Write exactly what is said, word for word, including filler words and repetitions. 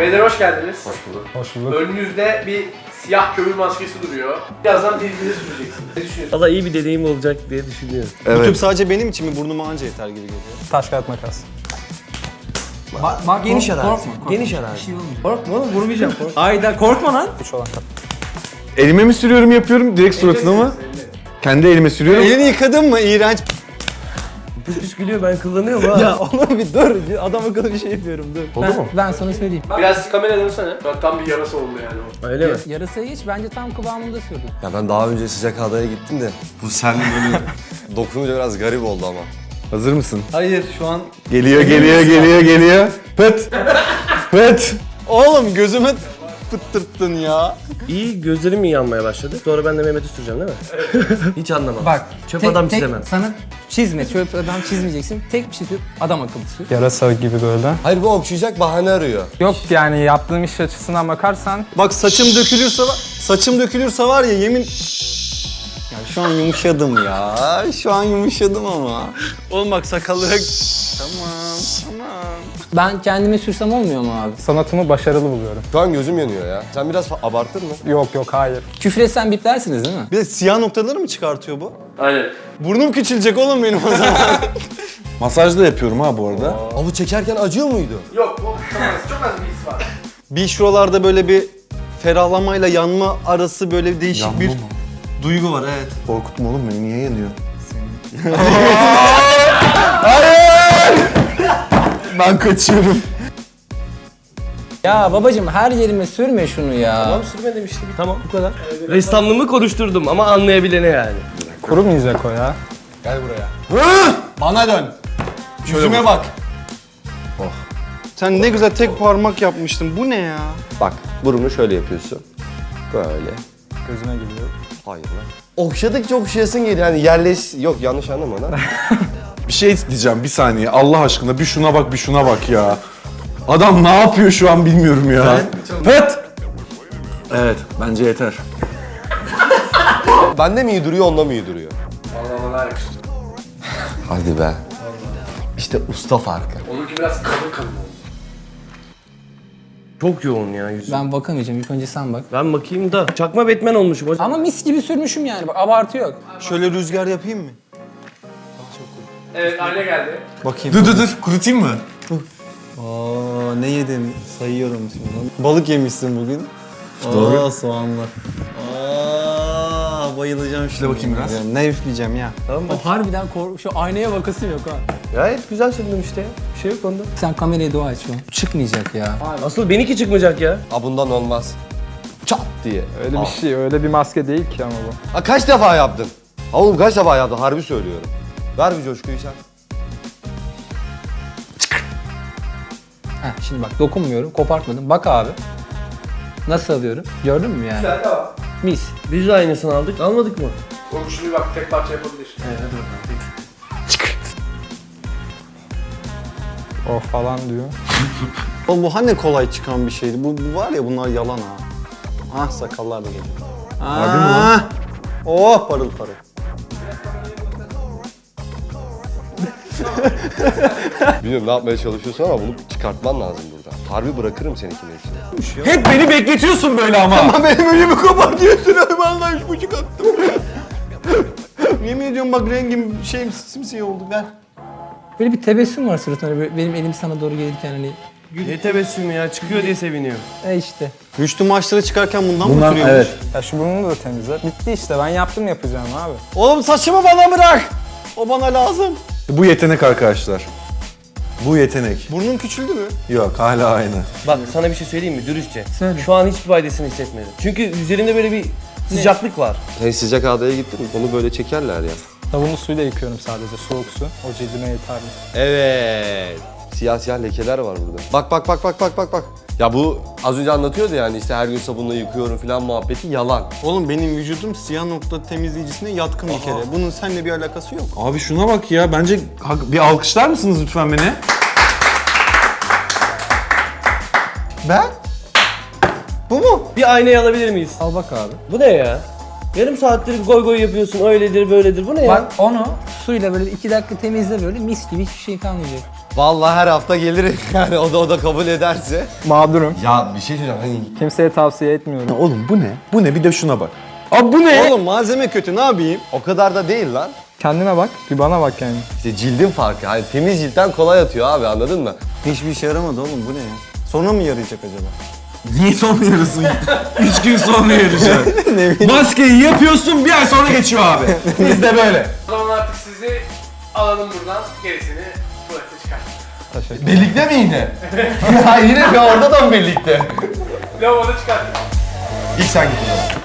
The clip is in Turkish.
Beyler hoş geldiniz. Hoş bulduk. Hoş bulduk. Önünüzde bir siyah kömür maskesi duruyor. Birazdan dilinize süreceksiniz. Ne düşünüyorsunuz? Valla iyi bir deneyim olacak diye düşünüyorum. Evet. Bu tüp sadece benim için mi? Burnuma anca yeter gibi geliyor. Taş kağıt makas. Bak, bak Geniş kork- arazi. Korkma, korkma. Geniş arazi. Bir şey olmuyor. Korkma oğlum vurmayacağım korkma. Ayda korkma lan. Üç olan kat. Elime mi sürüyorum yapıyorum direkt suratına mı? Kendi elime sürüyorum. Elini yıkadın mı? İğrenç. Püs püs gülüyor ben kullanıyorum ha. Ya oğlum bir dur. Adam akıllı bir şey yapıyorum dur. Oldu Ben, mu? ben sana söyleyeyim. Biraz kamera dönsene. Bak tam bir yarası oldu yani o. Öyle mi? Yarasaya geç, bence tam kıvamında sürdüm. Ya ben daha önce sıcak adaya gittim de bu sen böyle dokununca biraz garip oldu ama. Hazır mısın? Hayır şu an... Geliyor geliyor geliyor geliyor. Pıt. Pıt. Oğlum gözüme pıttırttın ya. İyi gözlerim mi yanmaya başladı? Sonra ben de Mehmet'i süreceğim değil mi? Hiç anlamam. Bak, Çöp tek- adam tek çizemem. Sana çizme, çöp adam çizmeyeceksin. Tek bir şey sür, adam akıllı sür. Yarasa gibi böyle. Hayır bu okşayacak bahane arıyor. Yok yani yaptığım iş açısından bakarsan Bak saçım dökülürse var, saçım dökülürse var ya yemin... Ya şu an yumuşadım ya. Şu an yumuşadım ama. Oğlum bak sakallı... Tamam, tamam. Ben kendime sürsem olmuyor mu abi? sanatımı başarılı buluyorum. Şu an gözüm yanıyor ya. Sen biraz fa- abartır mı? Yok yok hayır. Küfretsen biplersiniz değil mi? Bir de siyah noktaları mı çıkartıyor bu? Aynen. Burnum küçülecek oğlum benim o zaman. Masaj da yapıyorum ha bu arada. Aa, bu çekerken acıyor muydu? Yok bu çok az, çok az bir his var. Bir şuralarda böyle bir ferahlamayla yanma arası böyle değişik Yanma bir mı? duygu var evet. Korkutma oğlum beni niye yanıyor? Ben kaçıyorum. Ya babacım her yerime sürme şunu ya. Tamam sürme demiştim. Tamam bu kadar. Ressamlığımı konuşturdum ama anlayabilene yani. Kurumayacak o ya. Gel buraya. Bana dön. Yüzüme bak. Oh. Sen ne güzel tek parmak yapmıştın. Bu ne ya? Bak burunu şöyle yapıyorsun. Böyle. Gözüne geliyor. Hayır lan. Okşadıkça okşayasın geliyor. Yani yerleş... Yok yanlış anlama lan. Bir şey diyeceğim bir saniye Allah aşkına bir şuna bak bir şuna bak ya. Adam ne yapıyor şu an bilmiyorum ya. Pıt. Evet bence yeter. Bende mi iyi duruyor onda mı iyi duruyor? Vallahi bana yakıştı. Hadi be. İşte usta farkı. Onunki biraz kalın kalın oldu. Çok yoğun ya yüzüm. Ben, Ben bakamayacağım, ilk önce sen bak. bakayım da. Çakma Batman olmuşum hocam. Ama mis gibi sürmüşüm yani, bak abartı yok. Şöyle rüzgar yapayım mı? Evet ayna geldi. Bakayım. Dur dur dur kurutayım mı? Aa ne yedin? Sayıyorum şimdi. Balık yemişsin bugün. Doğru. Aa soğanlı. Aa bayılacağım şimdi. bakayım biraz. Ne üfleyeceğim ya? O harbiden kork, şu aynaya bakasım yok ha. Gayet güzel sürdüm işte ya. Bir şey yok onda. Sen kameraya dua et şu an. Çıkmayacak ya. Asıl benimki çıkmayacak ya. Aa bundan olmaz. Çat diye. Öyle bir şey, öyle bir maske değil ki ama bu. Ha kaç defa yaptın? Ha oğlum kaç defa yaptın? Harbi söylüyorum. Ver bir coşkuyu sen. Heh, şimdi bak dokunmuyorum, kopartmadım. Bak abi. Nasıl alıyorum? Gördün mü yani? Güzel de var. Mis. Biz de aynısını aldık. Almadık mı? Oğlum şunu bir bak tek parça yapabilir. Evet hadi Oh falan diyor. Oğlum bu hani kolay çıkan bir şeydi. Bu, bu var ya bunlar yalan ha. Ah sakallar da geliyor. Harbi mi lan? Oh parıl parıl. Bilmiyorum ne yapmaya çalışıyorsun ama bunu çıkartman lazım burada. Harbi bırakırım seninkini hepsini. Hep beni bekletiyorsun böyle ama. Ama benim önümü kapatıyorsun. Vallahi üç buçuk attım. Yemin ediyorum bak rengim şeyim simsiyah oldu ver. Böyle bir tebessüm var suratında. Böyle benim elim sana doğru gelirken hani. Ne tebessümü ya çıkıyor diye seviniyor. E işte. Rüştü maçlara çıkarken bundan mı Bundan sürüyormuş? evet. Ya şu burnunu da temizle. Bitti işte, ben yaptım yapacağım abi. Oğlum saçımı bana bırak. O bana lazım. Bu yetenek arkadaşlar. Bu yetenek. Burnum küçüldü mü? Yok hala aynı. Bak sana bir şey söyleyeyim mi dürüstçe? Söyle. Şu an hiçbir faydasını hissetmedim. Çünkü üzerinde böyle bir sıcaklık var. Sen sıcak adaya gittin mi? Onu böyle çekerler ya. Sabunlu suyla yıkıyorum sadece, soğuk su. O cildime yeterli. Evet. Siyah siyah lekeler var burada. Bak bak bak bak bak bak bak. Ya bu az önce anlatıyordu yani işte her gün sabunla yıkıyorum falan muhabbeti yalan. Oğlum benim vücudum siyah nokta temizleyicisine yatkın bir kere. Bunun seninle bir alakası yok. Abi şuna bak ya bence hak- bir alkışlar mısınız lütfen beni? Ben? Bu mu? Bir aynayı alabilir miyiz? Al bak abi. Bu ne ya? Yarım saattir goy goy yapıyorsun öyledir böyledir bu ne ya? Bak onu suyla böyle iki dakika temizle böyle mis gibi hiçbir şey kalmayacak. Vallahi her hafta gelirim yani o da o da kabul ederse. Mağdurum. Ya bir şey söyleyeceğim hani Kimseye tavsiye etmiyorum. Oğlum bu ne? Bu ne? Bir de şuna bak. Abi bu ne? Oğlum malzeme kötü ne yapayım? o kadar da değil lan. Kendine bak, bir bana bak yani. İşte cildin farkı. Hani temiz ciltten kolay atıyor abi anladın mı? Hiçbir işe yaramadı oğlum bu ne ya? Sonra mı yarayacak acaba? Niye sonra yarısın? Üç gün sonra yarayacak. Maskeyi yapıyorsun bir ay sonra geçiyor abi. Biz de böyle. O zaman artık sizi alalım buradan, gerisini tuvalete çıkartın. Birlikte mi yine? ya yine bir orada da mı birlikte? Lavaboda çıkartın. İlk sen git o zaman.